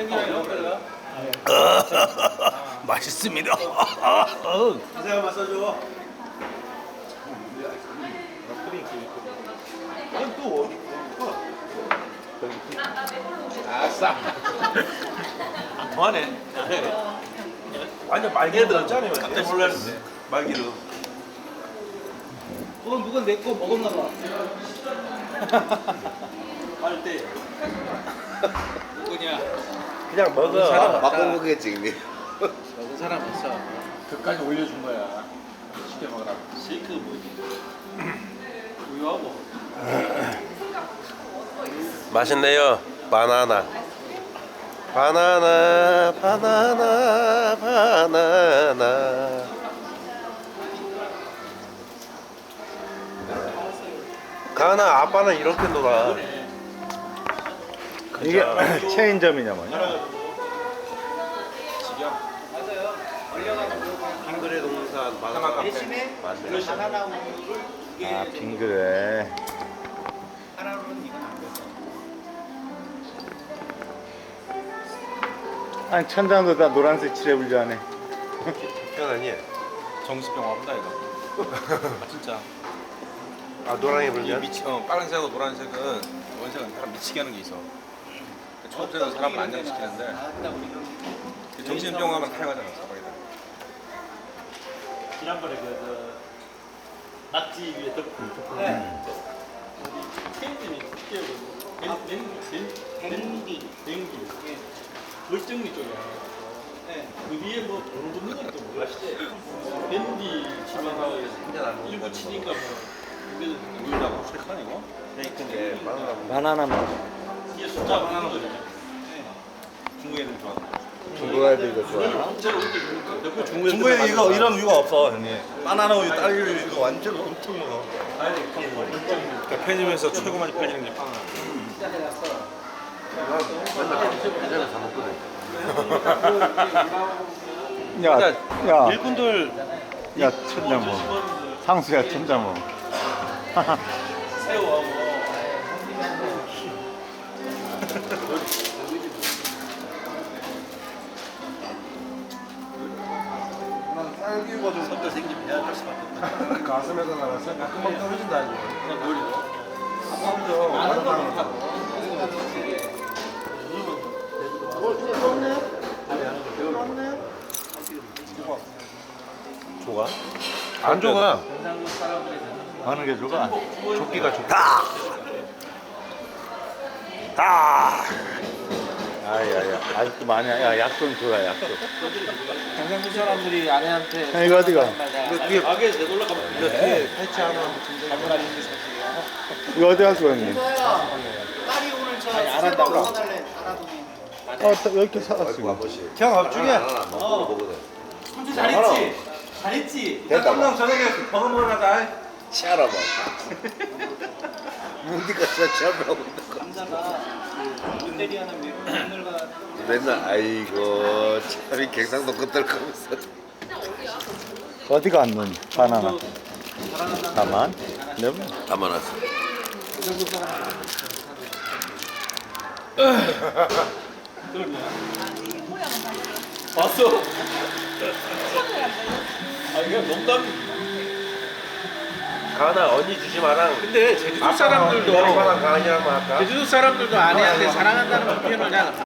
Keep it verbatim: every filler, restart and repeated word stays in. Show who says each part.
Speaker 1: 맛있습니다.
Speaker 2: 자세히 맞춰줘. 넌 또 어디
Speaker 1: 아싸.
Speaker 2: 안 통하네. 완전 말개 들었잖아요. 깜짝 놀랐는데. 말개로.
Speaker 3: 그건 누가 내 거 먹었나 봐.
Speaker 2: 할 때.
Speaker 3: 누구냐?
Speaker 2: 그냥 먹어.
Speaker 3: 사람
Speaker 4: 바꿔보겠지 이미.
Speaker 3: 먹은 사람 없어.
Speaker 2: 그까지 올려준 거야. 쉽게 먹으라고. 쉐이크 뭐지? 우유하고.
Speaker 4: 맛있네요. 바나나. 바나나, 바나나, 바나나. 가나 아빠는 이렇게 놀아.
Speaker 5: 이게 체인점이냐 뭐냐?
Speaker 4: 한글의 동산 바나나
Speaker 3: 대신에
Speaker 4: 맞아요.
Speaker 3: 바나나 우유를 두개
Speaker 5: 아 빙그레.
Speaker 3: 하나로는 이건 안 돼.
Speaker 5: 아니 천장도 다 노란색 칠해불려 하네.
Speaker 4: 편하니?
Speaker 2: 정신병 와본다 이거. 아, 진짜.
Speaker 4: 아 노랑이
Speaker 2: 이
Speaker 4: 불면?
Speaker 2: 미치, 어, 빨간색하고 노란색은 원색은 사람 미치게 하는 게 있어. 초록색은 사람을 안정시키는데
Speaker 3: 아따 우리는
Speaker 2: 정신병 하면 타령하잖아 사방에다.
Speaker 6: 지난번에 그, 그 낙지 위에 덮고
Speaker 3: 네.
Speaker 6: 체인점이 끼어거든.
Speaker 3: 댕디.
Speaker 6: 댕기.
Speaker 3: 예.
Speaker 6: 물정리 쪽이야.
Speaker 3: 네.
Speaker 6: 그 위에 뭐 돈 붙는 것도 모르시지? 밴디 치면 일부 치니까 뭐 이게
Speaker 2: 우유라고 쉐이크아니고?
Speaker 4: 네, 바나나.
Speaker 5: 바나나 맛.
Speaker 6: 이게 숫자 하나 거죠.
Speaker 2: 중국 애들 좋아.
Speaker 5: 중국 아이들 이거 좋아하나?
Speaker 6: 진짜로 이렇게 주는 거.
Speaker 2: 중국에 이거 이런 우유가 없어 형님. 바나나 우유, 딸기 우유 이거 완전 엄청 먹어. 그러니까 편의점에서 최고 많이 팔리는 게 바나나.
Speaker 4: 예전에 사 먹거든.
Speaker 5: 야, 야,
Speaker 2: 일꾼들
Speaker 5: 야 천자모. 상수야 천자모.
Speaker 6: 새우하고
Speaker 2: 딸기가 좀
Speaker 6: 섞여 생기면 해야 될 수밖에 없다.
Speaker 4: 가슴에서 나가서 금방 떨어진다 이거.
Speaker 6: 그냥 머리로.
Speaker 4: 아까부터 바나나.
Speaker 2: 좋아?
Speaker 4: 안 좋아.
Speaker 5: 어느 게 좋아?
Speaker 4: 조끼가 좋다. 다.
Speaker 5: 아야야, 아직도 많이 야 약돈 줘라 약돈.
Speaker 3: 경상도 사람들이 아내한테
Speaker 5: 야, 이거 어디가?
Speaker 6: 가게에 내돌라 가면
Speaker 4: 이거 뒤에 패치 하나
Speaker 5: 이거 어디 갈 거야 형님?
Speaker 3: 딸이 오늘 저
Speaker 5: 안
Speaker 3: 새로
Speaker 5: 한다고.
Speaker 3: 먹어달래. 알아보니.
Speaker 5: 어, 또 이렇게 사왔어. 이거.
Speaker 4: 아버지.
Speaker 2: 형 앞쪽에
Speaker 4: 먹어보거든.
Speaker 3: 삼촌 잘했지? 잘했지?
Speaker 2: 대통령 저녁에 버거 먹으러 가자.
Speaker 4: 치아라 봐. 문디가 진짜 치아라고 있는 거.
Speaker 3: 남자가 그 롯데리아 하는 며느리가
Speaker 4: 맨날 아이고 참이 갱상도 끝들 거면서.
Speaker 5: 어디 갔는 바나나? 가만. 네.
Speaker 4: 담아놨어.
Speaker 6: 봤어? 아 이거 농담.
Speaker 4: 가나 언니 주지 마라.
Speaker 3: 근데 제주도
Speaker 4: 사람들도
Speaker 3: 사람들도
Speaker 4: 가나 가냐고 할까?
Speaker 3: 제주도 사람들도 아내한테 사랑한다는 표현을 잘